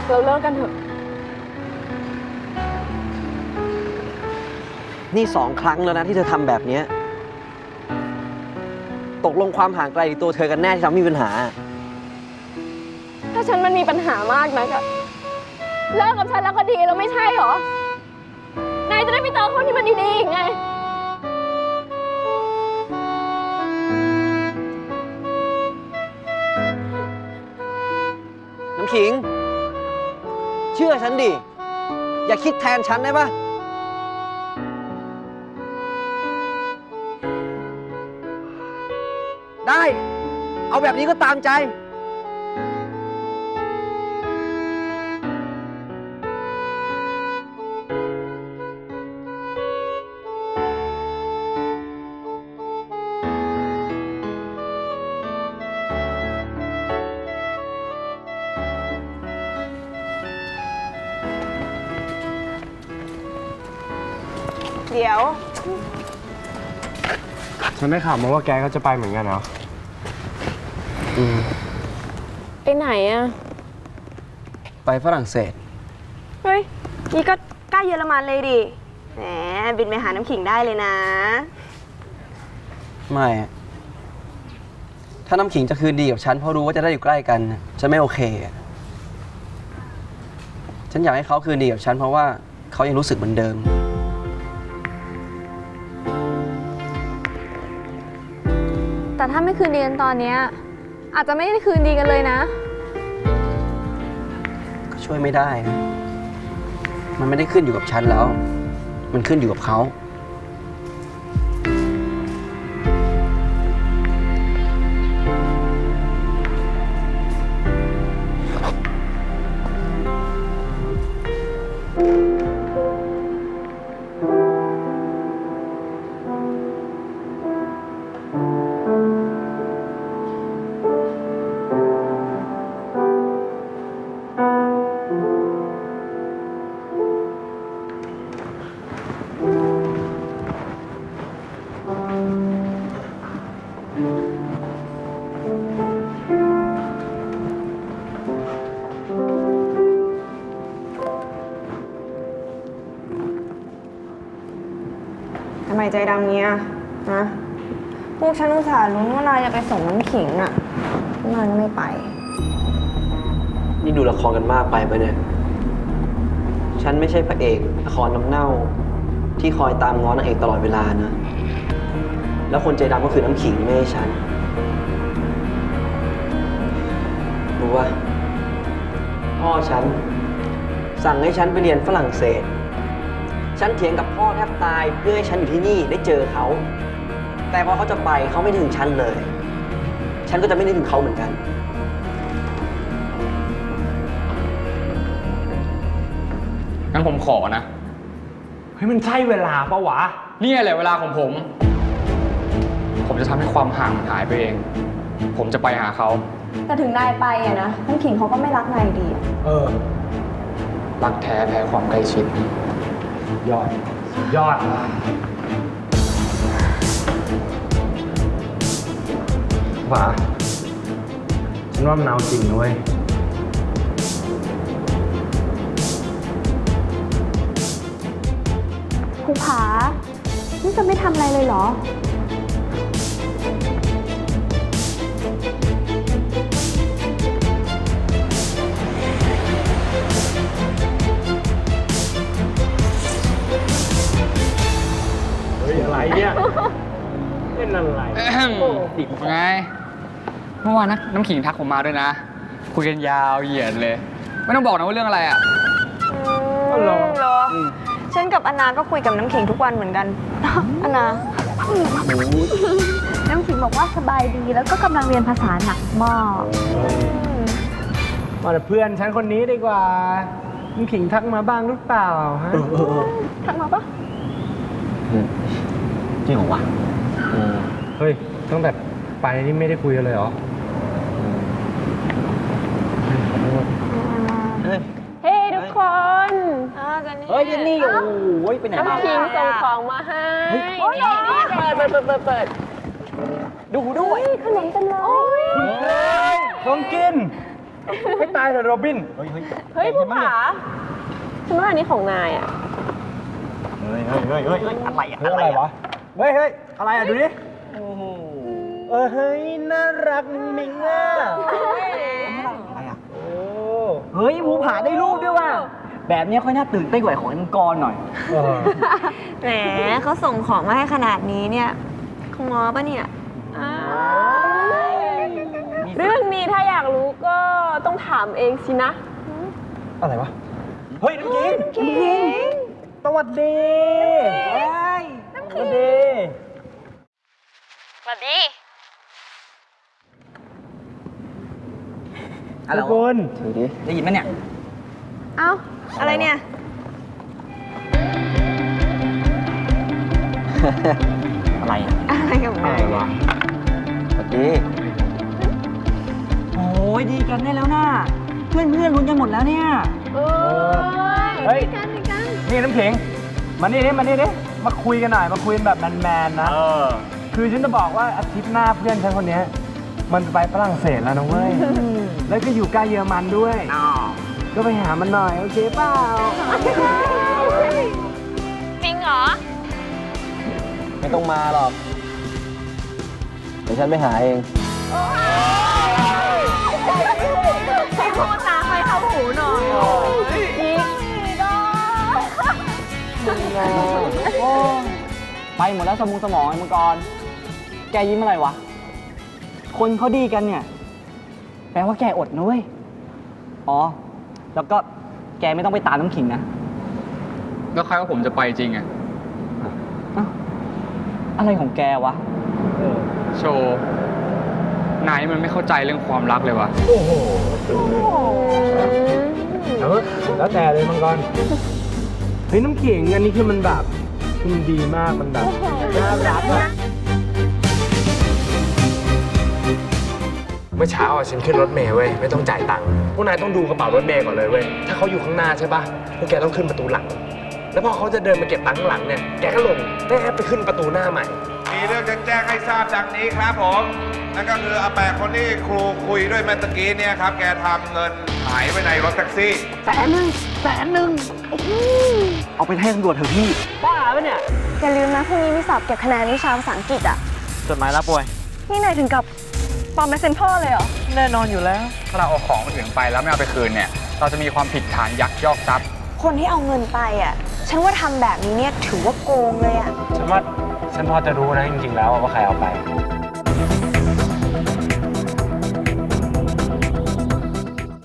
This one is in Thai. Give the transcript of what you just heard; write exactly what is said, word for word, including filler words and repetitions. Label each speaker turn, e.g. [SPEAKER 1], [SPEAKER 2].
[SPEAKER 1] เราเลิกกันเถอะ
[SPEAKER 2] นี่สองครั้งแล้วนะที่เธอทำแบบนี้ตกลงความห่างไกลตัวเธอกันแน่ที่ทำให้มีปัญหา
[SPEAKER 1] ถ้าฉันมันมีปัญหามากนักอะเลิกกับฉันแล้วก็ดีแล้วไม่ใช่หรอนายจะได้ไปเจอคนที่มันดีๆอีกไง
[SPEAKER 2] น้ำขิงเชื่อฉันดิ อย่าคิดแทนฉันได้ปะได้ เอาแบบนี้ก็ตามใจ
[SPEAKER 1] เดี๋ยว
[SPEAKER 3] ฉันได้ข่าวมาว่าแกก็จะไปเหมือนกันเหรอ
[SPEAKER 2] อืม
[SPEAKER 1] ไปไหนอะ
[SPEAKER 2] ไปฝรั่งเศส
[SPEAKER 1] เฮ้ย นี่ก็ใกล้เยอรมันเลยดิ แหม บินไปหาน้ำขิงได้เลยนะ
[SPEAKER 2] ไม่อะถ้าน้ำขิงจะคืนดีกับฉันเพราะรู้ว่าจะได้อยู่ใกล้กันฉันไม่โอเคอะฉันอยากให้เขาคืนดีกับฉันเพราะว่าเขายังรู้สึกเหมือนเดิม
[SPEAKER 1] แต่ถ้าไม่คืนดีกันตอนนี้อาจจะไม่ได้คืนดีกันเลยนะ
[SPEAKER 2] ก็ช่วยไม่ได้นะ มันไม่ได้ขึ้นอยู่กับฉันแล้ว มันขึ้นอยู่กับเขา
[SPEAKER 1] ทำไมใจดำเงี้ยฮะพวกฉันอุตส่าห์ลุ้นว่านายจะไปส่งน้ำขิงอะนายก็ไม่ไป
[SPEAKER 2] นี่ดูละครกันมากไปปะเนี่ย ฉันไม่ใช่พระเอกละครน้ำเน่า ที่คอยตามง้อนางเอกตลอดเวลานะ แล้วคนใจดำก็คือน้ำขิงไม่ใช่ฉัน รู้ว่า พ่อฉัน สั่งให้ฉันไปเรียนฝรั่งเศส ฉันเถียงกับพ่อแทบตายเพื่อให้ฉันอยู่ที่นี่ได้เจอเขา แต่พอเขาจะไปเขาไม่นึกถึงฉันเลย ฉันก็จะไม่นึกถึงเขาเหมือนกัน
[SPEAKER 4] งั้นผมขอนะ
[SPEAKER 3] เฮ้ยมันใช่เวลาปะวะ
[SPEAKER 4] นี่แหละเวลาของผม ผมจะทำให้ความห่างมันหายไปเอง ผมจะไปหาเขา
[SPEAKER 1] แต่ถึงนายไปอะนะน้ำขิงเขาก็ไม่รักนายดีอะ
[SPEAKER 3] เออ
[SPEAKER 4] รักแท้แพ้ความใกล้ชิด
[SPEAKER 3] ยอด ยอดหวาฉันว่ามันเอาจริงนะเว้ย
[SPEAKER 1] ภูผา นี่จะไม่ทำอะไรเลยเหรอ
[SPEAKER 3] เฮ้ย อะไรเนี่ย เล่นอะไร
[SPEAKER 4] ดิบไง เมื่อวานนะน้ำขิงทักผมมาด้วยนะ คุยกันยาวเหยียดเลย ไม่ต้องบอกนะว่าเรื่องอะไรอ่ะ
[SPEAKER 3] อ๋อเหรอ
[SPEAKER 1] เหรอ ฉันกับอนาก็คุยกับน้ำขิงทุกวันเหมือนกัน อนา น้ำขิงบอกว่าสบายดีแล้วก็กำลังเรียนภาษาหนักมาก
[SPEAKER 3] มาแต่เพื่อนฉันคนนี้ดีกว่ามึงขิงทักมาบ้างหรือเปล่าฮะ
[SPEAKER 1] ทักมาปะ
[SPEAKER 2] จริงเหรอวะ
[SPEAKER 3] เฮ้ย ตั้งแต่ไปนี่ไม่ได้คุยกันเลยเหรอ
[SPEAKER 2] เฮ้ย
[SPEAKER 1] เฮ้ทุกคนกัน
[SPEAKER 2] เฮ้ยเจนนี่โอ้โหไปไหนมา
[SPEAKER 1] น้ำขิงส่งของมาให้นี่นี่เปิดเปิดเปิดเปิดเปิด
[SPEAKER 2] ดูด้วย
[SPEAKER 1] ขนมเต็มเลย
[SPEAKER 3] ของกินให้ตายเลยโรบิน เฮ้ย
[SPEAKER 1] เฮ้ยผู้ผาฉันว่าอันนี้ของนายอ่ะ
[SPEAKER 3] เฮ้ยเฮ้ยเฮ้ยเฮ้ยอะไรอะอะไรวะ เฮ้ยเฮ้ยอะไรอะดูดิ โอ้โห เออเฮ้ย น่ารักมิงอ่ะอะไรอะโอ้
[SPEAKER 2] เฮ้ยภูผาได้รูปด้วยว่ะ แบบนี้ค่อยน่าตื่นเต้นกว่าของไอ้มังกรหน่อย
[SPEAKER 3] เออ
[SPEAKER 1] แหมเขาส่งของมาให้ขนาดนี้เนี่ยเขาง้อปะเนี่ยเรื่องนี้ถ้าอยากรู้ก็ต้องถามเองสินะ
[SPEAKER 3] อะไรวะ เฮ้ย น้ำขิง
[SPEAKER 1] น้ำขิง
[SPEAKER 3] สวัสดีเฮ้ยสวัสดี
[SPEAKER 1] สวัสดี
[SPEAKER 2] อะไร
[SPEAKER 3] ทุกคว
[SPEAKER 2] ะ
[SPEAKER 3] น
[SPEAKER 2] ถือดิ ได้ยินไหมเนี่ย
[SPEAKER 1] เอ้า อะไรเนี่ย
[SPEAKER 2] อะไรอ่ะ
[SPEAKER 1] อะไรกับ
[SPEAKER 3] อะ
[SPEAKER 1] นา
[SPEAKER 3] ไร
[SPEAKER 1] ยว
[SPEAKER 3] ะ
[SPEAKER 2] สวัสดี โอ้ยดีกันได้แล้วนะเพื่อนเพื่อนลุ้นกันหมดแล้วเนี่ย
[SPEAKER 1] เออ
[SPEAKER 3] เฮ้ย
[SPEAKER 1] กันดีกัน
[SPEAKER 3] นี่น้ำขิง มานี่ดิมานี่ดิมาคุยกันหน่อย มาคุยกันแบบแมนๆนะ คือฉันจะบอกว่าอาทิตย์หน้าเพื่อนฉันคนเนี้ยมันจะไปฝรั่งเศสแล้วนะเว้ย แล้วก็อยู่ใกล้เยอรมันด้วย ก็ไปหามันหน่อย โอเคเปล่า
[SPEAKER 1] จริงเหรอ
[SPEAKER 2] ไม่ต้องมาหรอก เดี๋ยวฉันไปหาเอง
[SPEAKER 1] ให้พูดนะให้เข้าหูหน่อยยิง
[SPEAKER 2] ไปหมดแล้วสมองสมองไอ้มังกร แกยิ้มอะไรวะ คนเขาดีกันเนี่ย แปลว่าแกอดนะเว้ย อ๋อ แล้วก็แกไม่ต้องไปตามน้ำขิงนะ
[SPEAKER 4] แล้วใครว่าผมจะไปจริงอะ
[SPEAKER 2] อ้าวอะไรของแกวะ
[SPEAKER 4] โชว์นายนี่มันไม่เข้าใจเรื่องความรักเลยวะ
[SPEAKER 3] โอ้โหแล้วแล้วแต่เลยมังกร เฮ้ยน้ำขิงอันนี้คือมันแบบคือมันดีมาก มันแบบน่ารักอะเมื่อเช้าอ่ะฉันขึ้นรถเมล์เว้ยไม่ต้องจ่ายตังค์พวกนายต้องดูกระเป๋ารถเมล์ก่อนเลยเว้ยถ้าเขาอยู่ข้างหน้าใช่ป่ะพวกแกต้องขึ้นประตูหลัง แล้วพอเขาจะเดินมาเก็บตังค์ข้างหลังเนี่ยแกก็ลงแม่ไปขึ้นประตูหน้าใหม่
[SPEAKER 5] มีเรื่องจะแจ้งให้ทราบดังนี้ครับผม นั่นก็คืออาแปะคนที่ครูคุยด้วยเมื่อตะกี้เนี่ยครับ แกทำเงินหายไว้ในรถแท็กซี่
[SPEAKER 2] แสนหนึ่งแสนหนึ่งเอาไปให้ตำรวจเถอะพี่ บ้าปะเนี่ย
[SPEAKER 1] อย่าลืมนะพรุ่งนี้มีสอบเก็บคะแนนวิชาภาษาอังกฤษอ่ะ
[SPEAKER 2] จดหมายรับป่วย
[SPEAKER 1] นี่นายถึงกับปลอมเป็นเซนพ่อเลยเหรอ
[SPEAKER 2] แน่นอนอยู่แล้ว
[SPEAKER 4] ถ้าเราเอาของคนอื่นไปแล้วไม่เอาไปคืนเนี่ย เราจะมีความผิดฐานยักยอกทรัพย์
[SPEAKER 1] คนที่เอาเงินไปอ่ะ ฉันว่าทำแบบนี้เนี่ยถือว่าโกงเลยอ่ะ
[SPEAKER 3] ฉันว่าฉันพอจะรู้นะจริงๆแล้วว่าใครเอาไป